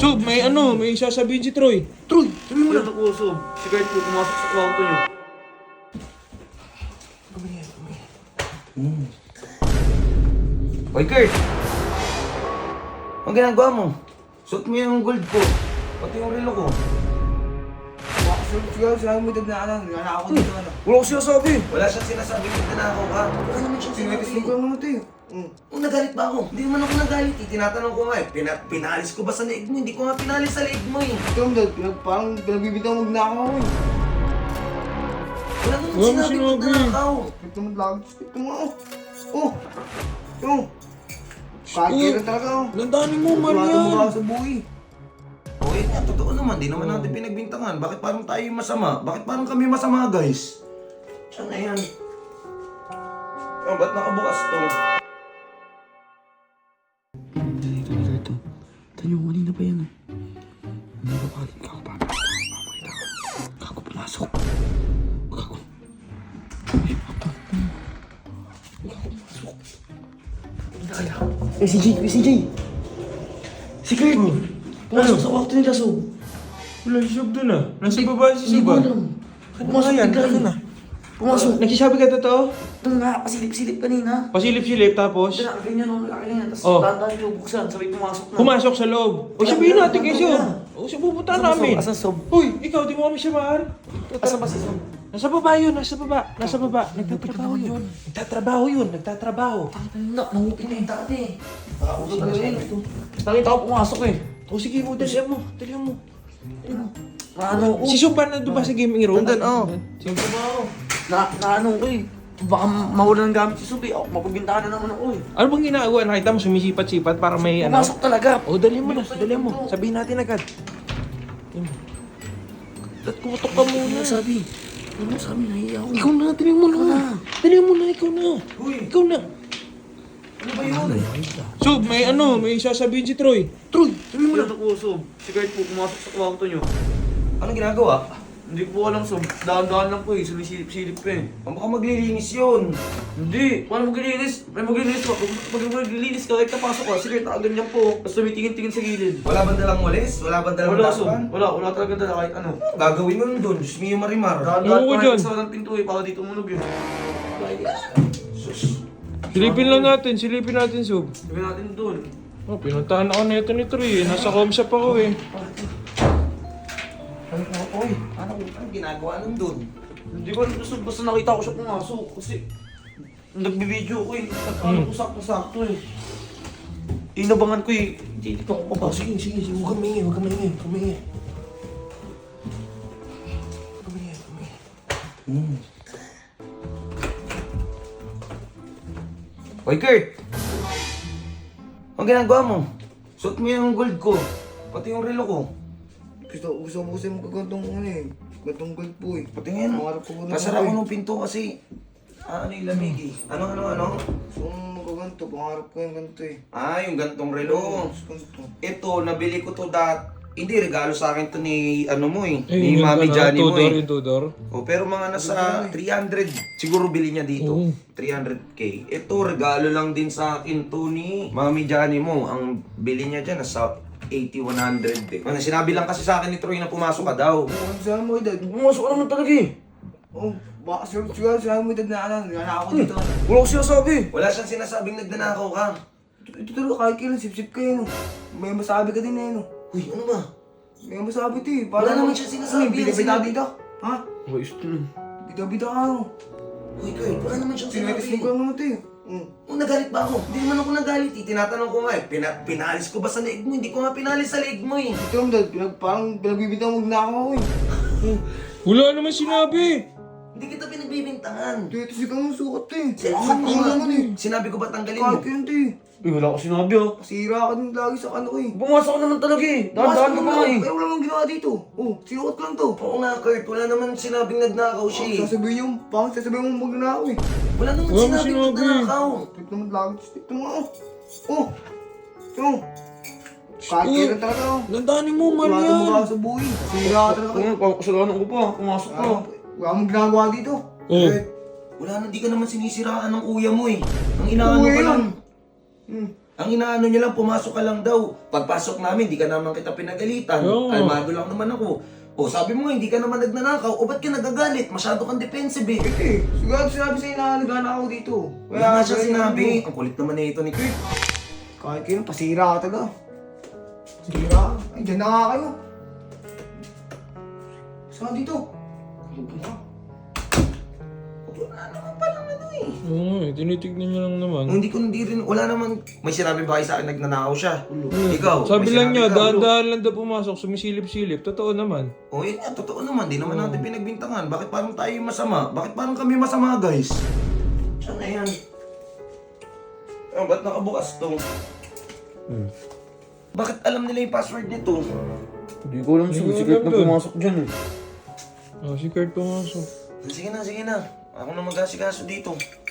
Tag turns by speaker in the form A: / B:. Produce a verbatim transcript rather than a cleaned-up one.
A: Sob, may ano, may sasabihin si Troy.
B: Troy, sabi mo
C: Wala
B: na.
C: na po, Sob. Si Kurt po pumasok sa kwarto niyo.
B: Hoy, Kurt! Ang ginagawa mo? Suot mo yung gold ko. Pati yung relo ko.
D: Siguro sinabi mo dad na ano, nanakaw ko dito ano.
B: Wala ko sinasabi. Wala siyang sinasabi na nanakaw ka. Wala naman siyang
D: Sinitis
B: sinabi.
D: ko lang naman ito eh. Mm.
B: Oh, nagalit ba ako? Hindi naman ako nagalit eh. Tinatanong ko nga eh. Pina pinalis ko ba sa leeg mo? Hindi ko nga pinalis sa leeg mo eh.
D: Ito mo dad, pinag, parang pinagbibitaw mo nanakaw ako eh.
B: Wala naman
A: Wala
B: sinabi
A: sinabi.
B: na nanakaw.
D: Ito mo lagi, ito mo oh. Oh! Ito mo. Kagiro talaga oh.
A: Landanin mo,
D: Tumatama
A: Marian.
D: ka sa buhay.
B: O eh, nga, totoo naman. Di naman natin pinagbintangan. Bakit parang tayo yung masama? Bakit parang kami masama, guys? Saan na yan? Oh, ba't nakabukas to?
C: Dito, dito, dito. Tanyo, kanina pa yan eh. Hindi ba palit ka? Papakita ko. Kako, pumasok. Kako.
B: Eh, si Jay! Eh, si Jay! Si Kurt! Pumasok sa kwarto nila, Sob.
A: Wala si Sob dun ah. Nasa baba si Sob ah.
B: Pumasok yan,
A: Ano na?
B: Pumasok.
A: Nagsasabi ka totoo?
C: Ito nga, pasilip-silip kanina.
A: Pasilip-silip tapos
C: Ito na, ganyan o, malaki ganyan. Tapos
A: Oh.
C: dahan-dahan niyo buksan, sabay pumasok na.
A: pumasok sa loob. O sabihin natin kay Sob. O siya pupunta namin.
C: Asan Sob?
A: Hoy, ikaw di mo kami samahan.
C: Asan ba si Sob?
A: Nasa baba yun, nasa baba, nasa baba. Nagtatrabaho yun. Nagtatrabaho yun, nagtatrabaho.
C: Na, nangupin na yung dati. Nakauso talaga yun. Nakita ko pumasok eh.
A: O sige mo, dalihan mo, dalihan mo.
C: Naano ko.
A: Si Sob ba nandun ba sa gaming room?
B: Nandun, oh.
A: Sige ba?
C: Na, naano ko eh. Baka mawala ng gamit si Sob eh. Ako, mapagbintahan na naman ako eh.
A: Ano bang ginagawa? Nakita mo sumisipat-sipat para may ano?
C: Pumasok talaga.
A: O dalihan mo na, dalihan mo. Sabihin natin agad. At kutok ka muna.
C: Ano sabi? Ano sabi? Nahiya ako.
A: Ikaw na, dalihan mo na. Dalihan mo na, ikaw na. Ikaw na.
B: Ano ba yun?
A: Sob, may ano, may sasabihin si Troy.
C: Troy, sabi mo Wala na. na po, Sob. Si Kurt po pumasok sa kwarto niyo.
B: Anong ginagawa?
C: Hindi ko po alam, Sob. Dahan-dahan lang po eh. Sumisilip-silip pa eh.
B: Ang baka maglilinis yun.
C: Hindi. Paano maglilinis? May maglilinis po. Pag pag maglilinis ka, kahit napasok ka, sige, nakaganyan po. Tapos tumitingin-tingin sa gilid.
B: Wala bang dalang walis? Wala bang dalang
C: Wala, Sob.
B: lakban?
C: Wala, wala talaga dala kahit ano.
B: Gagawin mo nun doon. Diyos mio marimar.
C: Dahan-dahan
A: Oo,
C: pa
A: dyan.
C: kahit sa walang pinto eh, para dito umunog yun.
B: Sus.
A: Silipin lang natin, silipin natin, Sob.
C: Sabi natin doon.
A: Oh, pinuntahan ako nito ni Troy. eh. Nasa comshop ako eh.
B: Ano ko? Oy, ano ang ginagawa nun doon?
C: Hindi ko alam, Sob. Basta nakita ko siya pumasok. Kasi nagbibideo ko eh. Ano ko sakto-sakto eh. Inabangan ko eh. Hindi ko ako papasok.
B: Sige, sige, sige. Huwag kang maingay, huwag kang maingay, huwag kang maingay. Huwag kang maingay, huwag kang maingay. Hmm. Hoy, Kurt! Ang ginagawa mo? Suot mo yung gold ko. Pati yung relo ko.
D: Gusto, gusto mo kasi magkagantong ano eh. Gantong gold po eh.
B: Patingin.
D: Pangarap ko na
B: Nasara ko
D: eh.
B: ng pinto kasi. Ah, ano yung lamig eh. Ano, ano, ano?
D: Gusto mo magkaganto, pangarap ko yung ganito eh.
B: Ah, yung gantong relo.
D: Gusto ko.
B: Ito, nabili ko to dat. Hindi, regalo sa akin to ni, ano mo eh.
A: Eh,
B: Ni
A: yung
B: Mami
A: ano,
B: Johnny mo
A: Tudor,
B: eh.
A: yung Tudor.
B: Oh, pero mga nasa three hundred. Siguro bili niya dito.
A: Oo.
B: three hundred K. Ito, regalo lang din sa akin to ni Mami Johnny mo. Ang bili niya dyan, nasa eighty, one hundred eh. Ano, sinabi lang kasi sa akin ni Troy na pumasok ka daw.
D: Oh, ano sinabi mo dad?
C: Pumasok ka naman talaga eh.
D: Oh, baka siguro siguro sinabi mo dad na ano, nanakaw ko dito ano.
C: Wala ko sinasabi.
B: Wala siyang sinasabing nagnanakaw ka.
D: Ito, ito talaga kahit kailan sip-sip kayo no. May masabi ka din eh no.
B: Uy, ano ba?
D: May masabi ito eh.
B: Wala naman siya sinasabi.
D: Bida-bida
B: Sinabi-
D: dito. Ha?
C: Ayos to nun.
D: Bida-bida ka no.
B: Uy, Kurt, wala naman siyang
D: Sinitis
B: sinabi.
D: ko lang naman ito eh. Mm.
B: Oh, nagalit ba ako? Hindi naman ako nagalit eh. Tinatanong ko nga eh. Pina pinalis ko ba sa leeg mo? Hindi ko nga pinalis sa leeg mo eh.
D: Ito mo dad, pinag, parang pinagbibitaw mo nanakaw ako eh.
A: Wala naman sinabi.
B: Hindi kita pinagbibintangan.
D: Dito sigaw mo sukat eh.
B: Sukat
D: Sukat
B: mo
D: mo
B: nga.
D: naman eh.
B: Sinabi ko ba tanggalin mo?
D: Kahit kailan ito eh.
C: Eh, wala ko sinabi ah.
D: Sira ka din lagi sa ano ko eh.
C: Pumasok ka naman talaga eh. Dahan-dahan ka pa nga eh.
D: Eh, wala mong ginawa dito. Oh, sinuot lang to.
B: Oo nga, Kurt. Wala naman sinabing nagnakaw siya eh.
D: Sasabihin yung, parang sasabihin mo magnanakaw eh.
B: Wala naman
A: Wala mo
B: sinabing
A: sinabi.
B: nagnakaw.
D: Ito naman lagi. Ito mo oh. Oh. Ito mo. Kahit kailan talaga oh.
A: Landanin mo,
D: Tumatama ka
A: Marian.
D: sa buhay. Sira ka talaga.
C: Kung parang kasalanan ko pa. Pumasok ka.
D: Ah, Wala mong ginagawa dito.
A: Oh.
B: Kurt, wala na, di ka naman sinisiraan ng kuya mo eh. Ang inaano
D: Kuya
B: ka
D: yun.
B: lang.
D: Hmm.
B: Ang inaano nyo lang, pumasok ka lang daw. Pagpasok namin, di ka naman kita pinagalitan.
A: Oo.
B: Kalmado lang naman ako. O sabi mo nga, hindi ka naman nagnanakaw. O ba't ka nagagalit? Masyado kang defensive eh.
D: Eh, siguro sinabi sa'yo na nagana ako dito.
B: Wala nga siya
D: ganyan
B: sinabi.
D: mo.
B: Ang kulit naman na ito ni Kurt.
D: Kahit kayo, pasira ka taga. Pasira ka. Ay, dyan na nga kayo. Saan dito?
B: Wala naman palang ano eh.
A: Oo nga eh, tinitignan niya lang naman.
B: Hindi ko hindi rin, wala naman. May sinabi ba kayo sa akin nagnanakaw siya? Ikaw,
A: Sabi
B: may
A: lang
B: sinabi
A: niya,
B: ka?
A: dahan-dahan lang daw pumasok, sumisilip-silip. Totoo naman.
B: O yun nga, totoo naman. Di naman natin pinagbintangan. Bakit parang tayo yung masama? Bakit parang kami masama, guys? Saan na yan? Oh, ba't nakabukas to?
A: Hmm.
B: Bakit alam nila yung password nito?
C: Hindi ko alam
A: Hindi
C: sir,
A: ko
C: secret
A: alam
C: na
A: dun.
C: pumasok dyan eh.
A: Oh, si Kurt pumasok.
B: Sige na, sige na. Ako na mag-asikaso dito.